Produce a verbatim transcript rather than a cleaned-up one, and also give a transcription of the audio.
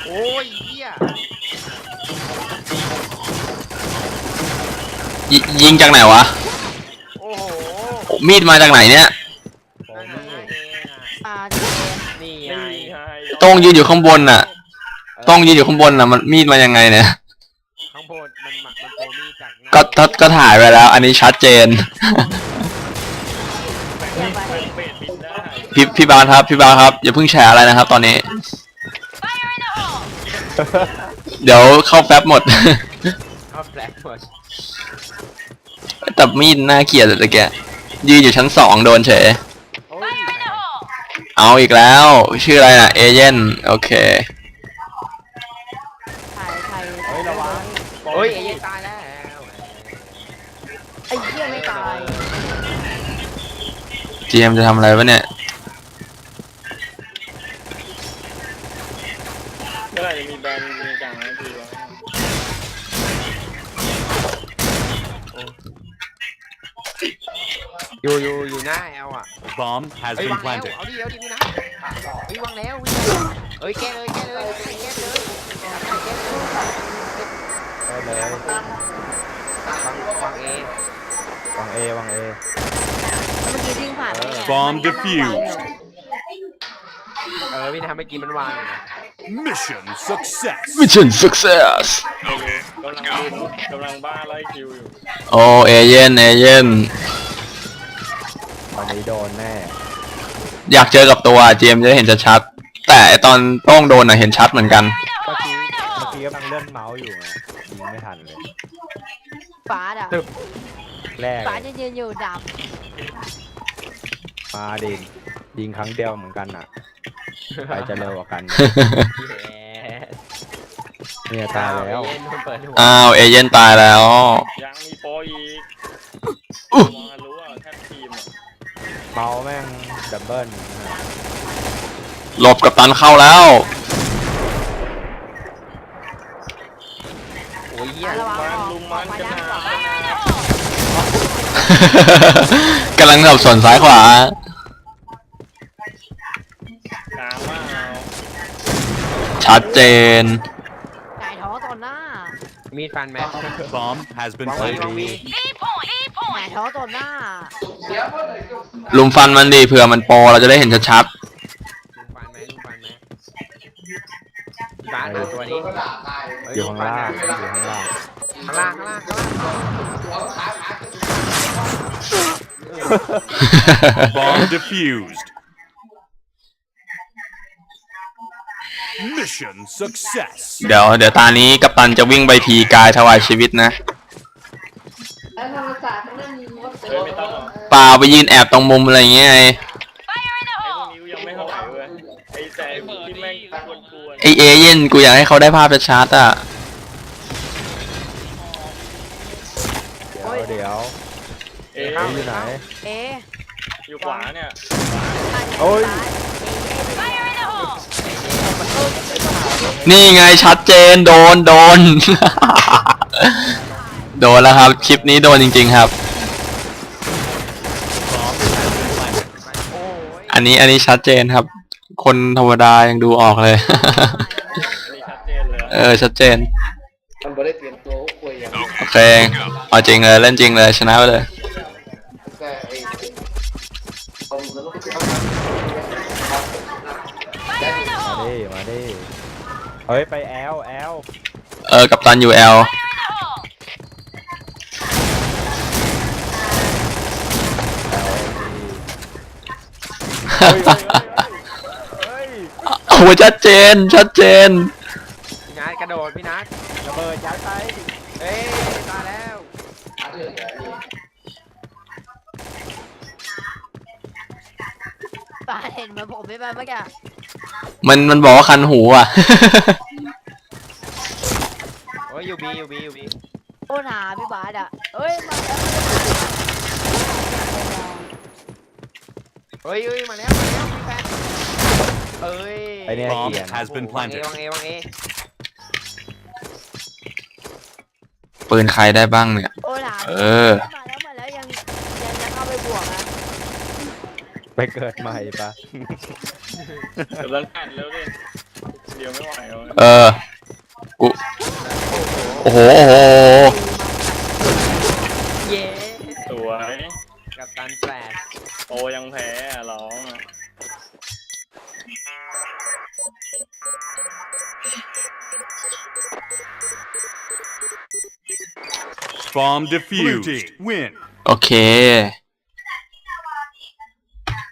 โอ้ยเหี้ยยยิงจากไหนวะโอ้โหมีดมาจากไหนเนี่ยนั่นน่ะนั่นเองอ่ะอ่านี่ไงต้องยืนอยู่ข้างบนน่ะต้องยืนอยู่ข้างบนน่ะมันมีดมายังไงเนี่ยข้างบนมันหมักมันโปรมีจากหน้าก็ก็ก็ถ่ายไปแล้ว อันนี้ชัดเจนเยี่ยมไปพี่พี่บาสครับพี่บาสครับอย่าเพิ่งแชร์อะไรนะครับ ตอนนี้ เดี๋ยวเข้าแป๊บหมดเข้าแฟลชหมดแต่มีดน่าเกลียดเลยแกยืนอยู่ชั้นสองโดนเฉยโอ้ยเอาอีกแล้วชื่ออะไรน่ะเอเจนต์โอเคถ่ายถ่ายเฮ้ยระวังโอ้ยไอ้ยัยตายแล้วไอ้เหี้ยไม่ตายจีเอ็มจะทำอะไรวะเนี่ยเมื่อไหร่จะมีแบรนด์มีกลางนะพี่วะอยู่อยู่อยู่หน้าแอลอ่ะ Bomb has เฮ้ย been วางแล้ว planted. เอาดิเอาดิพี่นะเฮ้ยวางแล้วเฮ้ยแก้เลยแก้เลยแก้เลยแก้เลยได้เลยวางวางเอวางเอวางเอแล้วเมื่อกี้วิ่งผ่านได้ไง Bomb มันนั่งวางอยู่ defused. เออพี่นะเมื่อกี้มันวางอยู่นะ Mission success. Mission Success โอเคกำลังดูกำลังบ้าไล่คิวอยู่โอเอเจนต์เอเจนต์ตอนนี้โดนแน่อยากเจอกับตัวจีเอ็มจะได้เห็นชัดๆแต่ไอ้ตอนต้องโดนน่ะเห็นชัดเหมือนกันเมื่อกี้เมื่อกี้กำลังเลื่อนเมาส์อยู่ไงยิงไม่ทันเลยฟ้าอ่ะแรกฟ้าเลยจะยืนอยู่ดมาดิยิงครั้งเดียวเหมือนกันอ่ะใครจะเร็วกว่ากัน เนี่ยตายแล้วเย็นเปิดหัวอ้าวเอเจนต์ตายแล้วยังมีโปรอีกมองรู้ว่าแทบทีมอ่ะเมาส์แม่งดับเบิลนะฮะหลบกับตันเข้าแล้วโอ้ยเหี้ยำระวังมันออกลุมอมัอกนไปกันด้านนะขวากำลังสับสนซ้ายขวากลางว่าเอาชัดเจนไก่ท้องต่อหน้ามีดฟันแม Bomb has been วางวีวางวี planted. ไก่ท้องต่อหน้าลุมฟันมันดีเผื่อมันโปรเราจะได้เห็นชัดลุมฟันไหมลุมฟันไหมบ้านดูตัวนี้อยู่ข้างล่างอยู่ข้างล่างข้างล่างข้างล่างข้างล่างๆ Bomb defused. Mission success. เดี๋ยวเดี๋ยวตานี้กัปตันจะวิ่งไปทีกายถวายชีวิตนะเฮ้ยไม่ต้องหรอกเปล่าไปยืนแอบตรงมุมอะไรอย่างเงี้ยไงไอ้พวกนี้ยังไม่เท่าไหร่เว้ยไอ้แต่ที่แม่งกวนๆไอเอเย่นกูอยากให้เขาได้ภาพชัดๆอ่ะเดี๋ยวเดี๋ยวเอ๊ะเอ๊ะอยู่ไหนเอ๊ะอยู่ขวาเนี่ยโอ้ยนี่ไงชัดเจนโดนโดน โดนแล้วครับ คลิปนี้โดนจริงๆครับ Bomb has been planted. โอ้ยอันนี้อันนี้ชัดเจนครับ คนธรรมดายังดูออกเลยนี่ชัดเจนเลยเออชัดเจนโอเคเอาจริงเลยเล่นจริงเลยชนะไปเลยมาดิมาดิเฮ้ยไปแอลแอลเออกับตันยูเอลเฮ้ยเฮ้ยเฮ้ยโอ้โหชัดเจนชัดเจนพี่นัทกระโดดพี่นัทระเบิดยัดไปเอ้ยตายแล้วฟ้าเห็นเหมือนผมไม่ไปเมื่อกี้มันมันบอกว่าคันหูอ่ะโอ้ยอยู่บีอยู่บีอยู่บีโอ้หนาพี่บาสอ่ะเอ้ยมาแล้วเฮ้ยเฮ้ยมาแล้วมาแล้วมีแฟนเอ้ยไอเนี่ย Bomb เกียน has been วางเอ planted. วางเอวางเอปืนใครได้บ้างเนี่ยโอ้หนาเออมาแล้วมาแล้วยังยังจะเข้าไปบวกอ่ะไปเกิดใหม่ปะเดี๋ยวรันแปดแล้วดิเดียวไม่ไหวแล้วเออกูโอ้โหโอ้โหเย้สวยกับตันแปดโตยังแพ้อะร้องอะ Bomb defused. Win. โอเค